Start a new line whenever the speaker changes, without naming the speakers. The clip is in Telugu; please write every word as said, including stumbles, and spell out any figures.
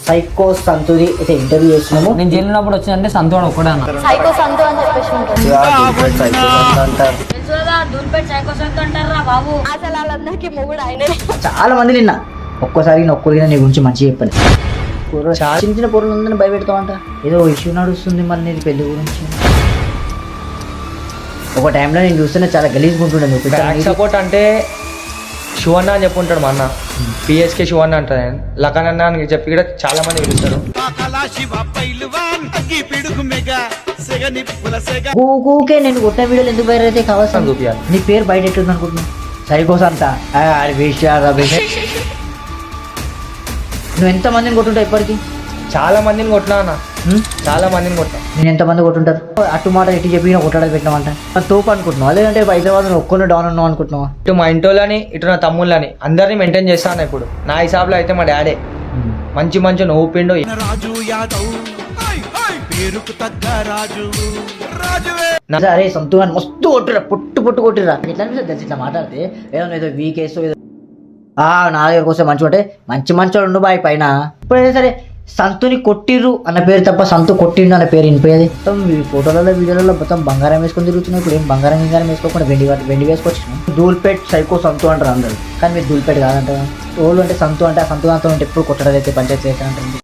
సైకో సంతుది అయితే ఇంటర్వ్యూ చేస్తున్నాము.
నేను జైలు ఉన్నప్పుడు వచ్చిందంటే సంతోడు ఒక్కడే అన్న.
సైకో సంతు అని చెప్పేసి ఉంటుంది.
సైకో సంతు అంటారు.
అసలు వాళ్ళందరికీ మొగుడు ఆయనే.
చాలా మంది నిన్న ఒక్కసారి నొక్కరిగా నీ గురించి మంచిగా చెప్పాను. చిన్న చిన్న పొరలు ఉందని భయపెడతావంట. ఏదో ఇష్యూ నడుస్తుంది మళ్ళీ నీది పెళ్లి గురించి. ఒక టైంలో నేను చూస్తేనే చాలా గలీజ్గా ఉంటుండే. నువ్వు
బ్యాక్ సపోర్ట్ అంటే శివన్న అని చెప్పి ఉంటాడు మా అన్న. పిఎస్కే శివన్న అంటారు ఆయన. లఖన్ అన్న అని చెప్పి కూడా చాలా మంది పిలుస్తారు.
ఊకే నేను కొట్టిన వీడియోలు ఎందుకు బయట అయితే కావాల్సింది చూపించాలి. నీ పేరు బయట ఎట్లుంది అనుకుంటున్నావు? సైకోస్ అంతా నువ్వు ఎంత మందిని కొట్టుంటావు ఇప్పటికీ?
చాలా మందిని కొట్టినా అన్న, చాలా మందిని కొట్టా.
నేను ఎంతమంది కొట్టుంటారు? అటు మాట ఇటు చెప్పి కొట్టడానికి పెట్టినామంట తోపు అనుకుంటున్నావు. లేదంటే హైదరాబాద్ ఒక్కరిని డౌన్ ఉన్నావు అనుకుంటున్నావా?
ఇటు మా ఇంటోళ్ళని ఇటు నా తమ్ముళ్ళని అందరినీ మెయింటైన్ చేస్తాను. ఇప్పుడు నా హిసాబ్లో అయితే మా డాడే మంచి మంచి నవ్వుపిండు.
అరే సొంతగా మస్తు కొట్టురా, పొట్టు పొట్టు కొట్టిరా. ఇట్లా అనిపిస్తుంది తెలిసి ఇట్లా మాట్లాడితే ఏదో ఏదో వీకేస్ ఏదో నా దగ్గరకు వస్తే మంచిగా ఉంటే మంచి మంచి ఉండు బాయ్ పైన. ఇప్పుడైతే సరే సంతుని కొట్టిర్రు అన్న పేరు తప్ప సంతు కొట్టిండు అన్న పేరు వినిపోయేది. మొత్తం ఈ ఫోటోలలో వీడియోలలో మొత్తం బంగారం వేసుకొని తిరుగుతున్నాయి. ఇప్పుడు ఏం బంగారం గింగారం వేసుకోకుండా వెండి వెండి వేసుకొచ్చినాం. దూల్పేట్ సైకో సంతు అంటారు అందరు, కానీ మీరు దూల్పేట్ కాదంటారు. ఓళ్ళు అంటే సంతు అంటే ఆ సంతు అంతా ఉంటే ఎప్పుడు కొట్టడం అయితే పంచాయతీ అయితే అంటారు.